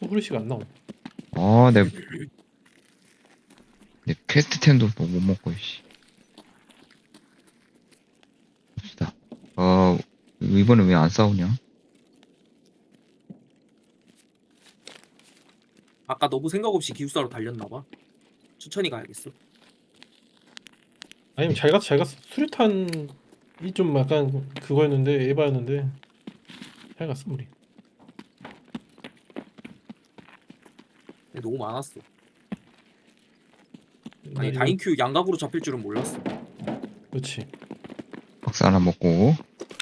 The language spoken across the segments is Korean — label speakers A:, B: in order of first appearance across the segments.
A: 후레쉬가 안 나오.
B: 내 퀘스트템도 못 먹고, 씨. 봅시다. 이번에 왜 안 싸우냐?
C: 아까 너무 생각 없이 기숙사로 달렸나봐. 천천히 가야겠어.
A: 아니면 잘 갔어 잘 갔어. 수류탄이 좀 약간 그거였는데 에바였는데 잘 갔어 우리.
C: 근데 너무 많았어. 아니
A: 이거-
C: 다인큐 양각으로 잡힐 줄은 몰랐어.
A: 그렇지.
B: 박스 하나 먹고.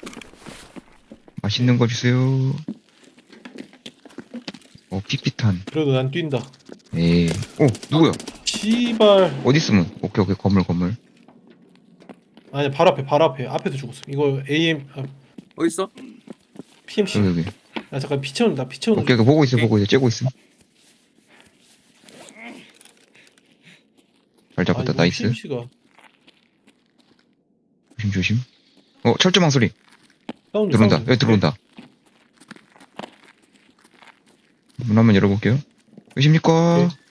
B: 맛있는 거 주세요. 픽피탄.
A: 그래도 난 뛴다.
B: 에이. 누구야?
A: 시발.
B: 어디 있으면? 오케이, 건물.
A: 아니 바로 앞에 앞에도 죽었어. 이거 AM
C: 어딨어?
A: PMC.
B: 여기.
A: 아 잠깐 피 채운다. 피 채우는.
B: 오케이, 보고 있어. 째고 있어. 잘 잡았다, 나이스.
A: PMC가
B: 조심. 철조망 소리.
A: 사운드
B: 들어온다.
A: 사운드.
B: 여기 들어온다. 문 한번 열어볼게요. 계십니까?
A: 오케이.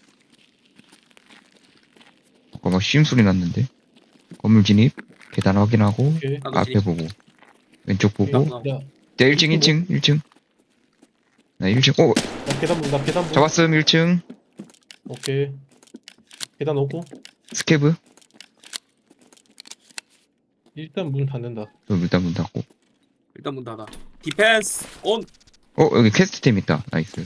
B: 아까 막 쉬임 소리 났는데. 건물 진입. 계단 확인하고.
A: 오케이.
C: 나도
B: 앞에
C: 진입.
B: 보고. 왼쪽 보고.
A: 야,
B: 네, 1층. 나 1층.
A: 나 계단 문.
B: 잡았음, 1층.
A: 오케이. 계단 오고
B: 스케브.
A: 일단 문 닫는다.
B: 일단 문 닫고.
C: 일단 문 닫아. 디펜스 온.
B: 여기 퀘스트템 있다. 나이스.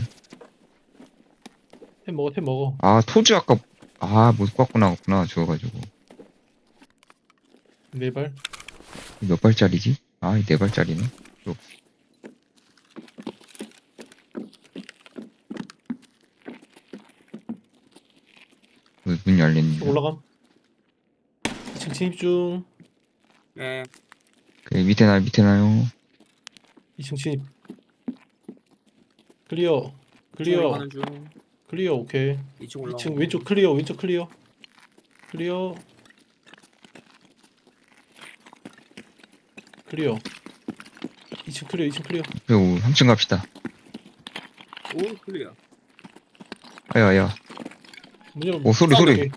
A: 템 먹어.
B: 토즈 아까, 못 갖고 나갔구나. 죽어가지고.
A: 네 발.
B: 몇 발짜리지? 이 4발짜리네. 문 열렸네.
A: 올라감. 2층 진입 중.
C: 예.
B: 밑에 나요.
A: 2층 진입. 클리어.
C: 올라가는 중.
A: 클리어 오케이.
C: 2층 올라.
A: 2층 왼쪽 클리어. 클리어. 2층 클리어.
B: 그리고 3층 갑시다.
C: 오 클리어.
B: 아야.
A: 문 열어.
B: 소리.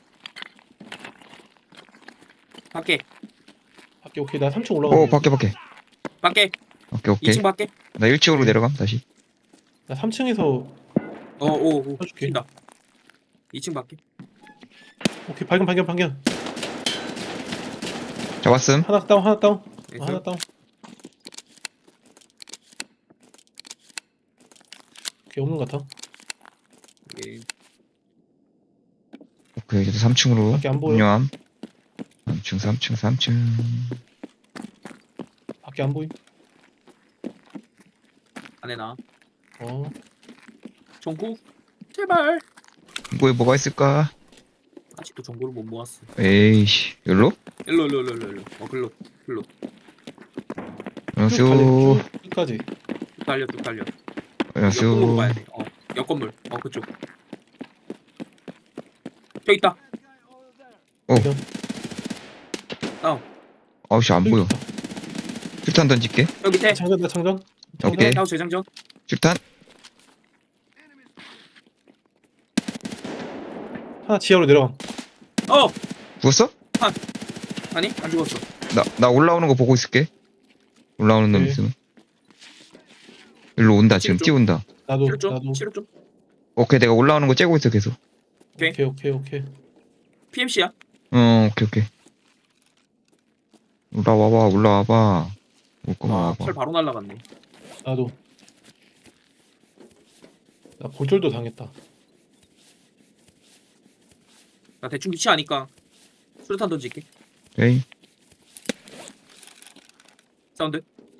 C: 밖에.
A: 밖에 오케이. 나 3층 올라가.
B: 밖에.
C: 밖에.
B: 오케이.
C: 2층 밖에.
B: 나 1층으로 내려감, 다시.
A: 나 3층에서
C: 오.
A: 해줄게.
C: 튄다. 2층 밖에.
A: 오케이. 발견.
B: 잡았음.
A: 하나 다운.
C: 나이스.
A: 하나 다운. 오케이. 없는 것 같아.
C: 예.
B: 오케이, 이제 3층으로.
A: 밖에 안 보여.
B: 운영함. 3층.
A: 밖에 안 보임.
C: 안에 나. 정구. 제발.
B: 이거에 뭐가 있을까?
C: 아직도 정보를 못 모았어.
B: 에이씨, 여기로?
C: 일로. 글로.
B: 안녕하세요.
A: 쭉 끝까지.
C: 쭉 달려. 옆 건물로
B: 안녕하세요.
C: 가야 돼. 옆 건물. 그쪽. 저기 있다.
A: 발견.
B: 아우씨, 안 보여.
A: 있다.
B: 실탄 던질게.
C: 여기 밑에.
A: 나 장전.
B: 오케이.
C: 하우 재장전.
B: 실탄.
A: 하나 지하로 내려가.
B: 죽었어?
C: 아니 안 죽었어.
B: 나 올라오는 거 보고 있을게. 올라오는 놈
A: 오케이.
B: 있으면. 일로 온다, 지금
C: 좀-
B: 뛰어온다.
A: 나도.
C: 치료 좀.
B: 오케이, 내가 올라오는 거 째고 있어, 계속.
A: 오케이.
C: PMC야.
B: 오케이. 올라와봐. 올 거면 와봐.
C: 철 바로 날라갔네.
A: 나도. 나 골절도 당했다.
C: 나 대충 위치 아니까 수류탄 던질게.
B: 오케이.
C: 사운드.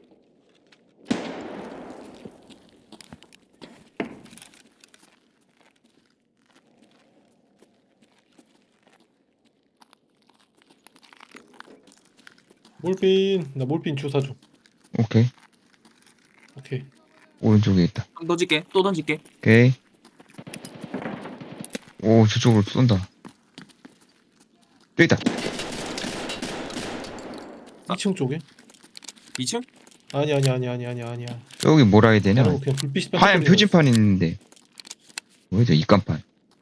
A: 나 몰핀 주사 줘.
B: 오케이.
A: 오케이.
B: 오른쪽에 있다.
C: 한번 던질게. 또 던질게.
B: 오케이. 저쪽으로 쏜다. 또 있다.
A: 2층 쪽에?
C: 2층?
A: 아니야.
B: 여기 뭐라 해야 되냐?
A: 그냥 불빛이
B: 하얀
A: 반짝거리는
B: 표지판 있는데. 뭐죠? 입간판.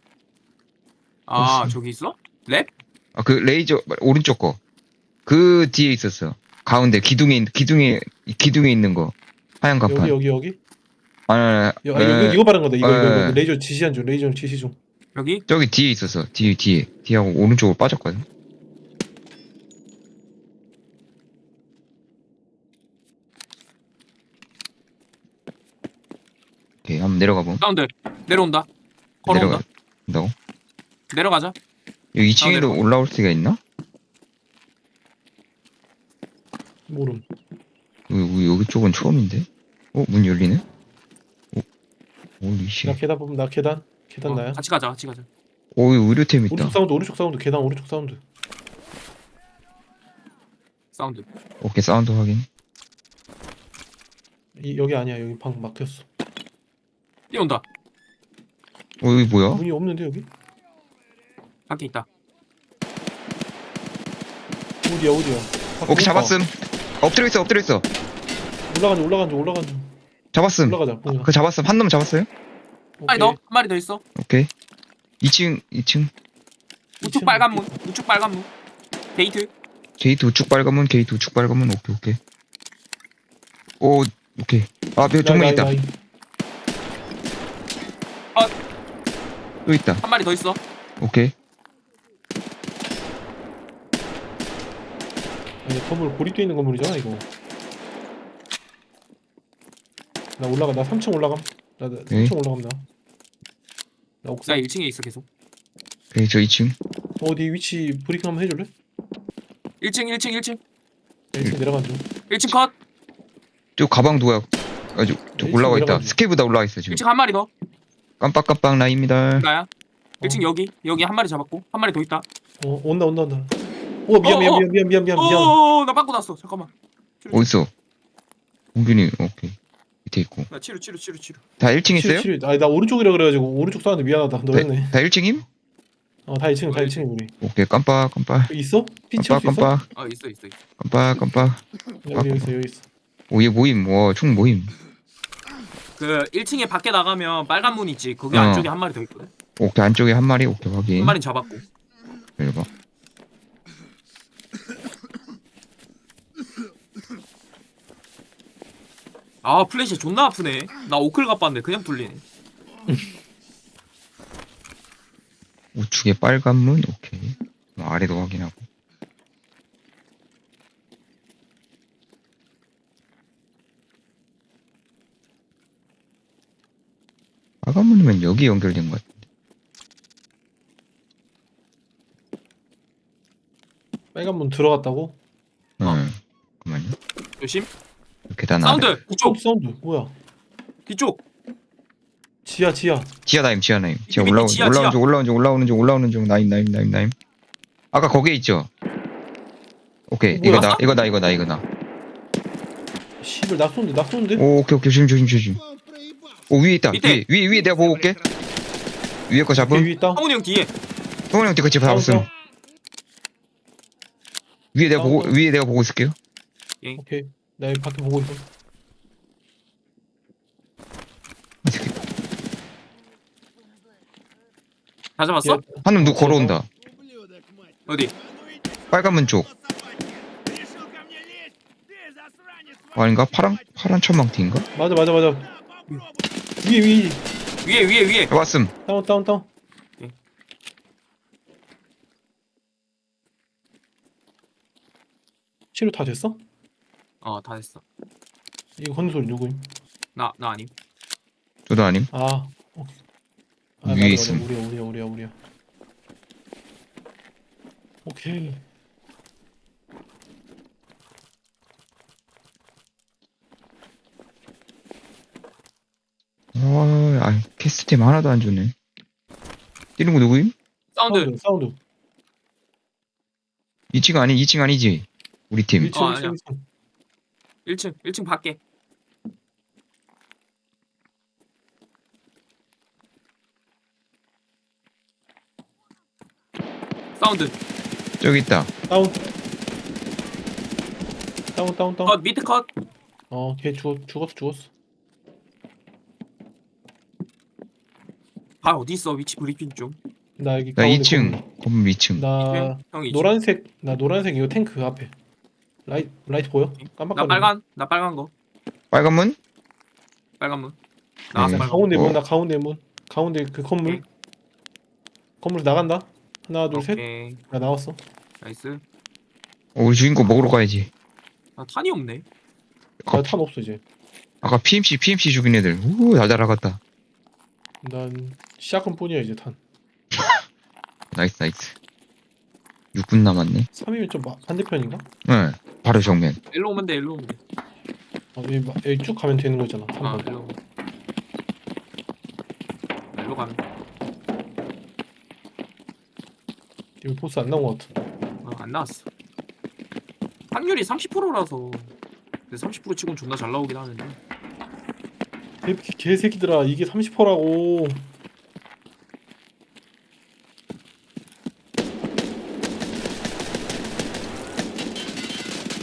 C: 아
B: 혹시-
C: 저기 있어? 랩?
B: 아, 그 레이저 오른쪽 거. 그 뒤에 있었어. 가운데 기둥에 있는 거. 하얀 간판.
A: 여기.
B: 아,
A: 이거 바른 거다. 이거
B: 에.
A: 레이저 지시한 중. 레이저 지시 중.
C: 여기?
B: 저기 뒤에 있었어. 뒤하고 오른쪽으로 빠졌거든. 오케이, 한번 내려가 봄.
C: 사운드 내려온다. 걸어온다.
B: 내려간다고?
C: 내려가자.
B: 여기 2층에도
C: 내려가.
B: 올라올 수가 있나?
A: 모름.
B: 여기 쪽은 처음인데? 문 열리네? 오리 씨.
A: 나 계단 보면 나 계단 나야.
C: 같이 가자. 같이 가자.
B: 여기 의료템 있다.
A: 오른쪽 사운드. 계단 오른쪽 사운드.
C: 사운드.
B: 오케이, 사운드 확인.
A: 여기 아니야. 여기 방 막혔어.
C: 뛰어온다.
B: 여기 뭐야?
A: 문이 없는데 여기?
C: 밖에 있다.
A: 어디야?
B: 오케이, 잡았음. 엎드려 있어.
A: 올라간 중.
B: 잡았음.
A: 올라가자. 보자.
B: 그 잡았음. 한 놈 잡았어요?
C: 아니 너 한 마리 더 있어.
B: 오케이. 2층.
C: 우측 빨간 문. 우측 빨간 문. 게이트.
B: 게이트 우측 빨간 문. 오케이. 오케이. 아, 정면 있다. 또 있다.
C: 한 마리 더 있어.
B: 오케이.
A: 아니, 건물 고립돼 있는 건물이잖아 이거. 나 3층 올라감. 나
B: 네.
A: 3층 올라감 나. 나
C: 나
A: 옥상.
C: 1층에 있어 계속.
B: 오케이, 저 2층.
A: 어디 위치 브리핑 한번 해줄래?
C: 1층.
A: 야, 1층 내려간 중.
C: 1층 컷.
B: 저 가방 누가 아주 저
A: 네,
B: 올라와 있다.
A: 내려가지.
B: 스케이보다 올라와 있어 지금.
C: 1층 한 마리 더.
B: 깜빡깜빡 라입니다.
C: 나야. 1층 여기 한 마리 잡았고 한 마리 더 있다.
A: 온다. 오 미안.
C: 나 빵꾸 났어. 잠깐만.
B: 어딨어? 공균이 오케이. 밑에 있고.
C: 나 치료.
B: 다 1층 있어요?
A: 아니 나 오른쪽이라 그래가지고 오른쪽 사는데 미안하다. 너였네.
B: 다 1층임?
A: 다 2층 우리.
B: 오케이, 깜빡.
A: 여기 있어? 피 치울 수 있어?
B: 깜빡.
C: 있어.
B: 깜빡.
A: 여기 있어.
B: 오, 얘 모임. 총 모임.
C: 그 1층에 밖에 나가면 빨간 문 있지. 거기
B: 어.
C: 안쪽에 한 마리 더 있거든.
B: 오케이, 안쪽에 한 마리. 오케이, 확인.
C: 한 마리 잡았고.
B: 열봐.
C: 아 플래시 존나 아프네. 나 오클 갑봤는데 그냥 뚫리네.
B: 우측에 빨간 문. 오케이. 아래도 확인하고. 빨간 문이면 여기 연결된 것 같아.
A: 빨간 문 들어갔다고?
B: 잠깐만요.
C: 조심.
B: 계단 아래.
C: 사운드. 뒤쪽.
A: 사운드 뭐야?
C: 뒤쪽.
A: 지하.
B: 지하나임. 지하
C: 밑에
B: 올라오는 중. 나임. 아까 거기에 있죠? 오케이.
A: 뭐야?
B: 이거다.
A: 씨발 나 쏘는데?
B: 오케이. 조심. 위에 있다.
C: 밑에.
B: 위에 내가 보고 올게. 위에 거
A: 오케이,
B: 잡음.
A: 위에 있다.
C: 성훈이 형 뒤에.
B: 성훈이 형 뒤같이 잡았음.
A: 사운드.
B: 위에 내가 보고 있을게요.
A: 오케이. 나 여기 밖에 보고 있어.
C: 다 잡았어?
B: 한 놈 누구 걸어온다.
C: 어디?
B: 빨간 문 쪽. 아닌가? 파란 천망티인가?
A: 맞아. 위에.
C: 위에.
B: 왔음.
A: 다운.
C: 오케이.
A: 치료 다 됐어?
C: 다 됐어.
A: 이거 걷는 소리 누구임?
C: 나 아님.
B: 저도 아님.
A: 오케이.
B: 위에
A: 맞아.
B: 있음.
A: 우리야. 오케이.
B: 캐스템 하나도 안 주네. 뛰는 거 누구임?
C: 사운드.
A: 사운드.
B: 2층 아니지? 우리 팀.
A: 1층.
C: 아니야. 1층 밖에. 사운드.
B: 저기 있다.
A: 다운.
C: 컷 밑에 컷.
A: 걔 죽었어.
C: 바 어디 있어? 위치 브리핑 좀.
A: 나 여기
B: 나
A: 가운데
B: 2층 건물 2층.
A: 나
C: 형 위치.
A: 노란색 이거 탱크 그 앞에. 라이트 보여?
C: 나
A: 깜빡거리네.
C: 나 빨간 거.
B: 빨간 문?
C: 빨간 문. 나왔어
B: 네.
C: 빨간
A: 가운데
B: 어.
A: 문, 나 가운데 문. 가운데 그 건물.
C: 오케이.
A: 건물 나간다. 하나,
C: 문.
A: 둘, 셋.
C: 오케이.
A: 나 나왔어.
C: 나이스.
B: 우리 주인공 먹으러 가야지.
C: 아 탄이 없네.
A: 나 탄 없어 이제.
B: 아까 PMC 죽인 애들. 우, 잘 날아갔다.
A: 난 시작은 뿐이야 이제 탄.
B: 나이스. 6분 남았네.
A: 3이면 좀 반대편인가?
B: 네. 바로 정면.
C: 일로 오면 돼. 일로 오면 돼.
A: 여기 쭉 가면 되는 거잖아.
C: 아
A: 3번.
C: 일로. 일로 가면.
A: 여기 보스 안 나온 것 같아.
C: 안 나왔어. 확률이 30%라서. 근데 30% 치곤 존나 잘 나오긴 하는데.
A: 개새끼들아 이게 30%라고.